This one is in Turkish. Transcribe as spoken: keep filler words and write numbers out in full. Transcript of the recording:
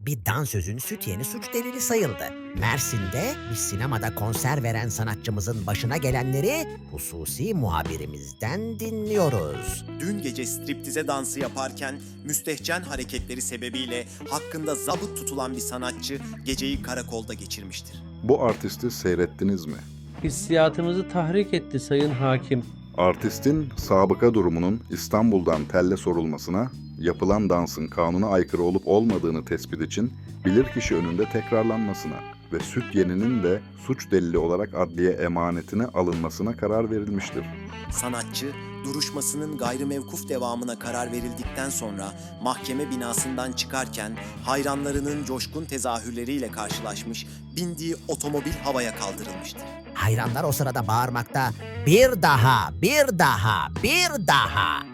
Bir dansözün süt yeni suç delili sayıldı. Mersin'de bir sinemada konser veren sanatçımızın başına gelenleri hususi muhabirimizden dinliyoruz. Dün gece striptize dansı yaparken müstehcen hareketleri sebebiyle hakkında zabıt tutulan bir sanatçı geceyi karakolda geçirmiştir. Bu artisti seyrettiniz mi? Hissiyatımızı tahrik etti sayın hakim. Artistin sabıka durumunun İstanbul'dan telle sorulmasına, yapılan dansın kanuna aykırı olup olmadığını tespit için bilirkişi önünde tekrarlanmasına ve süt yeninin de suç delili olarak adliye emanetine alınmasına karar verilmiştir. Sanatçı, duruşmasının gayrimevkuf devamına karar verildikten sonra mahkeme binasından çıkarken hayranlarının coşkun tezahürleriyle karşılaşmış, bindiği otomobil havaya kaldırılmıştır. Hayranlar o sırada bağırmakta, bir daha, bir daha, bir daha.